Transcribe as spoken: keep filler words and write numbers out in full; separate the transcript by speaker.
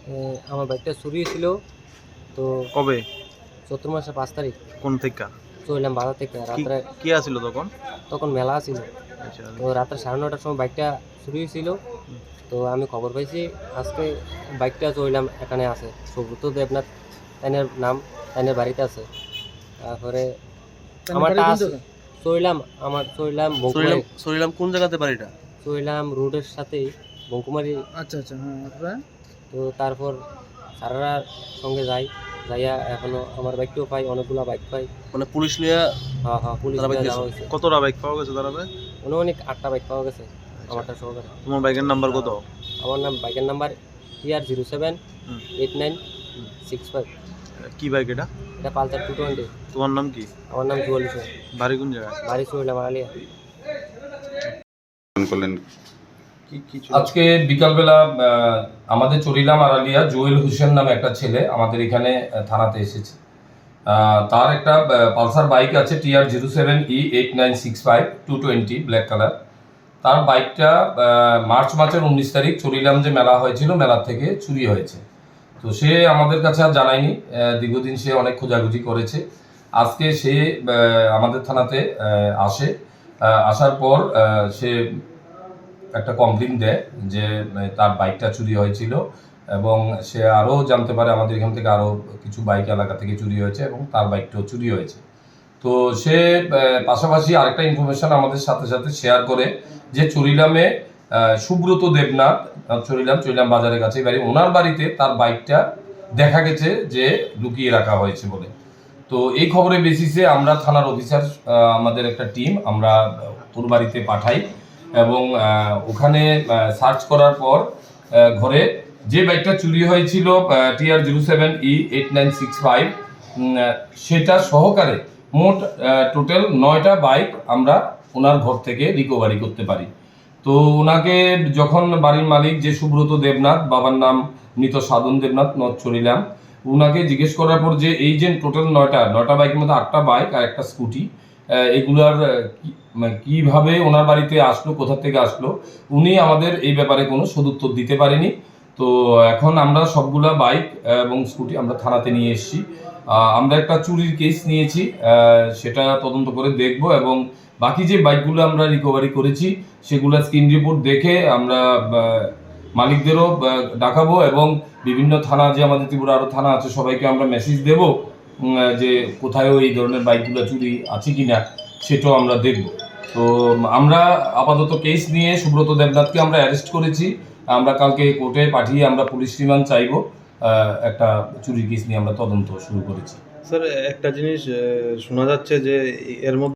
Speaker 1: এ আমার বাইকটা চুরি ছিল। তো
Speaker 2: কবে?
Speaker 1: চৈত্র মাসের পাঁচ তারিখ
Speaker 2: কোন থেকে?
Speaker 1: চললাম বাজার থেকে।
Speaker 2: কি
Speaker 1: রাত্রে
Speaker 2: কি আছিল তখন?
Speaker 1: তখন মেলা ছিল।
Speaker 2: আচ্ছা।
Speaker 1: তো রাত্রে সাড়ে নটার সময় বাইকটা চুরি হয়েছিল।
Speaker 2: হুম।
Speaker 1: তো আমি খবর পাইছি আজকে বাইকটা চললাম এখানে আছে সুব্রত দেবনাথ তাইনের নাম, তাইনের বাড়িতে আছে। তারপরে আমারটা চললাম আমার চললাম
Speaker 3: সরিলাম
Speaker 1: বঙ্কুমারি
Speaker 3: সরিলাম কোন জায়গাতে বাড়িটা?
Speaker 1: চললাম রোডের সাথেই বঙ্কুমারি।
Speaker 4: আচ্ছা আচ্ছা হ্যাঁ।
Speaker 1: তো তারপর সারারার সঙ্গে যাই, যাইয়া এখনো আমার বাইকটাও পাই, অনেকগুলা বাইক পাই।
Speaker 3: মানে পুলিশ নিয়ে
Speaker 1: হ্যাঁ হ্যাঁ পুলিশ
Speaker 3: তারা বাইক
Speaker 1: নিয়ে
Speaker 3: দিয়েছে?
Speaker 1: যাওয়া হয়েছে।
Speaker 2: কতটা বাইক পাওয়া গেছে তারাবে?
Speaker 1: অনেক আটটা বাইক পাওয়া গেছে আমারটা সহকারে।
Speaker 2: তোমার বাইকের নাম্বার কত?
Speaker 1: আমার নাম বাইকের নাম্বার টিআর জিরো সেভেন
Speaker 2: হুম।
Speaker 1: Eight nine six five.
Speaker 2: কি বাইক এটা?
Speaker 1: এটা পালসার টু টোয়েন্টি।
Speaker 2: তোমার নাম কি?
Speaker 1: আমার নাম জুয়াল হোসেন।
Speaker 2: বাড়ি কোন জায়গায়?
Speaker 1: বাড়ি চললাম আলিয়া।
Speaker 5: করলেন
Speaker 2: কি কি
Speaker 6: আজকে বিকালবেলা আহ, আমাদের চরিলাম আড়ালিয়া জুয়েল হোসেন নামে একটা ছেলে আমাদের এখানে আহ, থানাতে এসেছে। আহ, তার একটা আহ, পালসার বাইক আছে T R zero seven E eight nine six five two twenty black colour. তার বাইকটা আহ, মার্চ মাসের উনিশ তারিখ চরিলাম যে মেলা হয়েছিল মেলা থেকে চুরি হয়েছে। তো সে আমাদের কাছে আর জানায়নি। আহ, দীর্ঘদিন সে অনেক খোঁজাখুঁজি করেছে। আজকে সে আহ, আমাদের থানাতে আহ, আসে। আহ, আসার পর আহ, সে একটা কমপ্লেন দেয় যে তার বাইকটা চুরি হয়েছিল এবং সে আরও জানতে পারে আমাদের এখান থেকে আরও কিছু বাইক এলাকা থেকে চুরি হয়েছে এবং তার বাইকটাও চুরি হয়েছে। তো সে পাশাপাশি আরেকটা ইনফরমেশন আমাদের সাথে সাথে শেয়ার করে যে চরিলামে সুব্রত দেবনাথ, চরিলাম চরিলাম বাজারের কাছে বাড়ি, ওনার বাড়িতে তার বাইকটা দেখা গেছে যে লুকিয়ে রাখা হয়েছে বলে। তো এই খবরের বেসিসে আমরা থানার অফিসার আমাদের একটা টিম আমরা ওর বাড়িতে পাঠাই এবং ওখানে সার্চ করার পর ঘরে যে বাইকটা চুরি হয়েছিল T R zero seven E eight nine six five সেটা সহকারে মোট টোটাল নয়টা বাইক আমরা ওনার ঘর থেকে রিকভারি করতে পারি। তো ওনাকে যখন বাড়ির মালিক যে সুব্রত দেবনাথ, বাবার নাম মৃত সাধন দেবনাথ, নথ চরিলাম, ওনাকে জিজ্ঞেস করার পর যে এই যে টোটাল নয়টা নয়টা বাইকের মধ্যে আটটা বাইক আর একটা স্কুটি, এগুলার কিভাবে ওনার বাড়িতে আসলো, কোথা থেকে আসলো, উনি আমাদের এই ব্যাপারে কোনো সদুত্তর দিতে পারেনি। তো এখন আমরা সবগুলা বাইক এবং স্কুটি আমরা থানাতে নিয়ে এসেছি। আমরা একটা চুরির কেস নিয়েছি, সেটা তদন্ত করে দেখব এবং বাকি যে বাইকগুলো আমরা রিকভারি করেছি সেগুলো স্ক্রিন রিপোর্ট দেখে আমরা মালিকদেরও ডাকাবো এবং বিভিন্ন থানা যে আমাদের ত্রিপুরা আরও থানা আছে সবাইকে আমরা মেসেজ দেব যে কোথায়ও এই ধরনের বাইকগুলো চুরি আছে কি না সেটাও আমরা দেখব। তো আমরা আপাতত কেস নিয়ে সুব্রত দেবনাথকে আমরা অ্যারেস্ট করেছি। আমরা কালকে কোর্টে পাঠিয়ে আমরা পুলিশ রিমান্ড চাইব। একটা চুরির কেস নিয়ে আমরা তদন্ত শুরু করেছি।
Speaker 2: স্যার একটা জিনিস শোনা যাচ্ছে যে এর মধ্যে